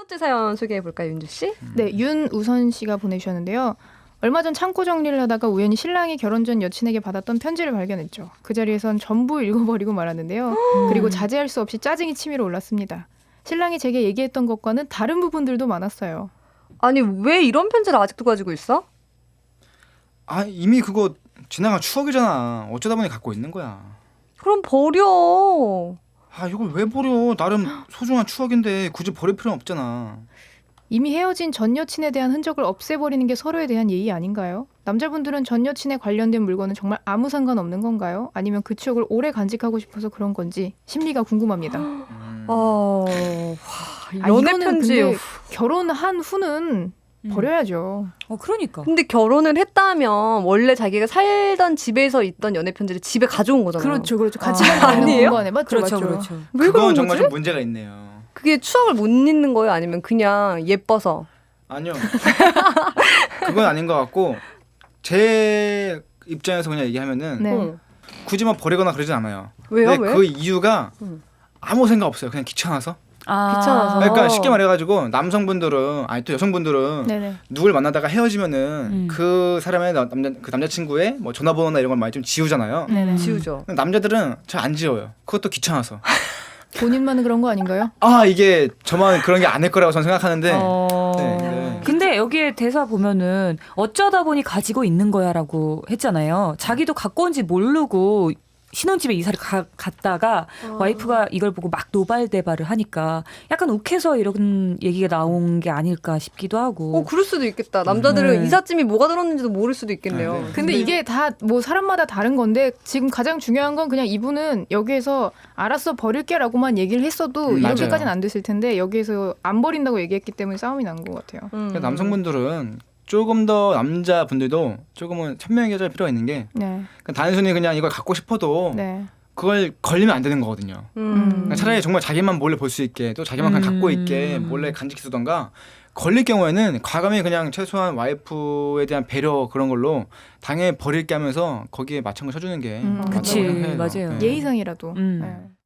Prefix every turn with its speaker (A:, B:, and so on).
A: 번째 사연 소개해볼까요, 윤주 씨?
B: 네, 윤우선 씨가 보내주셨는데요. 얼마 전 창고 정리를 하다가 우연히 신랑이 결혼 전 여친에게 받았던 편지를 발견했죠. 그 자리에선 전부 읽어버리고 말았는데요. 그리고 자제할 수 없이 짜증이 치밀어 올랐습니다. 신랑이 제게 얘기했던 것과는 다른 부분들도 많았어요.
A: 아니 왜 이런 편지를 아직도 가지고 있어?
C: 아 이미 그거 지나간 추억이잖아. 어쩌다 보니 갖고 있는 거야.
A: 그럼 버려.
C: 아 이걸 왜 버려? 나름 소중한 추억인데 굳이 버릴 필요는 없잖아.
B: 이미 헤어진 전 여친에 대한 흔적을 없애버리는 게 서로에 대한 예의 아닌가요? 남자분들은 전 여친에 관련된 물건은 정말 아무 상관없는 건가요? 아니면 그 추억을 오래 간직하고 싶어서 그런 건지 심리가 궁금합니다.
A: 연애
B: 이거는
A: 편지.
B: 근데 결혼한 후는 버려야죠.
D: 그러니까.
A: 근데 결혼을 했다면 원래 자기가 살던 집에서 있던 연애 편지를 집에 가져온 거잖아요.
B: 그렇죠. 같이 살고 있는
A: 아니에요?
B: 공간에 맞죠,
D: 그렇죠,
B: 맞죠.
D: 그렇죠.
A: 왜
C: 그건
A: 그런
C: 정말
A: 거지?
C: 좀 문제가 있네요.
A: 그게 추억을 못 잊는 거예요? 아니면 그냥 예뻐서?
C: 아니요. 그건 아닌 것 같고 제 입장에서 그냥 얘기하면은
B: 네.
A: 응.
C: 굳이 막 버리거나 그러진 않아요.
A: 왜요?
C: 근데
A: 왜?
C: 그 이유가
A: 응.
C: 아무 생각 없어요. 그냥 귀찮아서.
A: 귀찮아서.
C: 그러니까 쉽게 말해가지고 남성분들은 아니 또 여성분들은
B: 네네.
C: 누굴 만나다가 헤어지면은 그 사람의 그 남자친구의 뭐 전화번호나 이런 걸 많이 좀 지우잖아요.
B: 네네.
A: 지우죠.
C: 남자들은 잘 안 지워요. 그것도 귀찮아서.
B: 본인만은 그런 거 아닌가요?
C: 아 이게 저만 그런 게 아닐 거라고 저는 생각하는데. 네.
D: 근데 여기에 대사 보면은 어쩌다 보니 가지고 있는 거야라고 했잖아요. 자기도 갖고 온지 모르고 신혼집에 이사를 갔다가 와이프가 이걸 보고 막 노발대발을 하니까 약간 욱해서 이런 얘기가 나온 게 아닐까 싶기도 하고.
A: 그럴 수도 있겠다. 남자들은
D: 네.
A: 이삿짐이 뭐가 들었는지도 모를 수도 있겠네요.
C: 네.
B: 근데 이게 다 뭐 사람마다 다른 건데 지금 가장 중요한 건 그냥 이분은 여기에서 알았어 버릴게라고만 얘기를 했어도
C: 맞아요.
B: 이렇게까지는 안 됐을 텐데 여기에서 안 버린다고 얘기했기 때문에 싸움이 난 것 같아요.
C: 그러니까 남성분들은 조금 더 남자분들도 조금은 현명해질 필요가 있는 게
B: 네.
C: 그러니까 단순히 그냥 이걸 갖고 싶어도
B: 네.
C: 그걸 걸리면 안 되는 거거든요. 그러니까 차라리 정말 자기만 몰래 볼 수 있게 또 자기만 그냥 갖고 있게 몰래 간직해두던가 걸릴 경우에는 과감히 그냥 최소한 와이프에 대한 배려 그런 걸로 당연히 버릴게 하면서 거기에 맞춰서 쳐주는 게 맞다고
D: 그치,
C: 생각해요.
D: 맞아요.
C: 네.
B: 예의상이라도.
D: 음.
B: 네.